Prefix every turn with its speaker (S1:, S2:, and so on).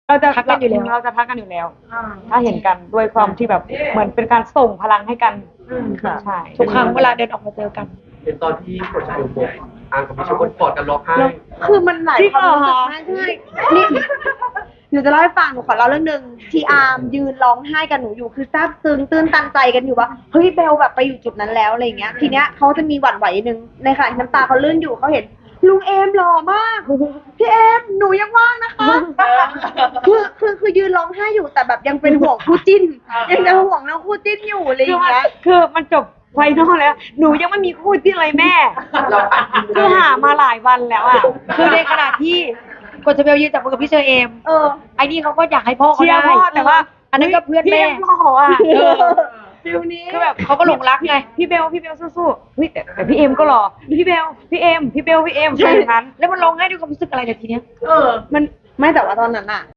S1: เราจะ
S2: ทักกันอยู่แล้ว
S1: เราจะทักกันอยู่แล้ว ถ้าเห็นกันด้วยความที่แบบเหมือนเป็นการส่งพลังให้กันค่ะใช่
S2: ทุกครั้งเวลาเดินออกมาเจอกัน
S3: เป็นตอนที่กดจะดูบกอ่างกับพี่ชมกอดกันร้องไห้
S4: คือมันหลายความรู้สึกมากใช่นี่หนูจะเล่าให้ฟังหนูขอเล่าเรื่องหนึ่งที่อาร์มยืนร้องไห้กับหนูอยู่คือซาบซึ้งตื้นตันใจกันอยู่ว่าเฮ้ยเบลแบบไปอยู่จุดนั้นแล้วอะไรเงี้ยทีเนี้ยเขาจะมีหวั่นไหวนึงในขณะที่น้ำตาเขาลื่นอยู่เขาเห็นลุงเอมหล่อมากพี่เอมหนูยังว่างนะคะคือยืนร้องไห้อยู่แต่แบบยังเป็นห่วงคู่จิ้นยังจะห่วงน้องคู่จิ้นอยู่อะไรอย่างเงี้ย
S1: คือมันจบไฟนอลแล้ว หนูยังไม่มีคู่ที่เลยแม่ คือหามาหลายวันแล้วอ่ะ
S2: คือในขณะที่กดจะเบลยืนจับมือกับพี่เชอเอมไอ้นี่เขาก็อยากให้พ่อเขา
S1: เชีย
S2: ได้
S1: ร์พ่อแต่ว่า
S2: อันนั้นก็เพื่อนแม่
S1: พี่พ่ออ่ะ
S4: ฟิลนี้
S1: คือแบบ
S2: เขาก็หลงรักไง
S1: พี่เบลสู้ๆเฮ้ยแต่พี่เอมก็หล่อพี่เบลพี่เอมอะไรอย่างนั้น
S2: แล้วมันร้องไห้ด้วยความรู้สึกอะไรเนี่ยทีเนี้ย
S4: มันไม่แต่ว่าตอนนั้นอะ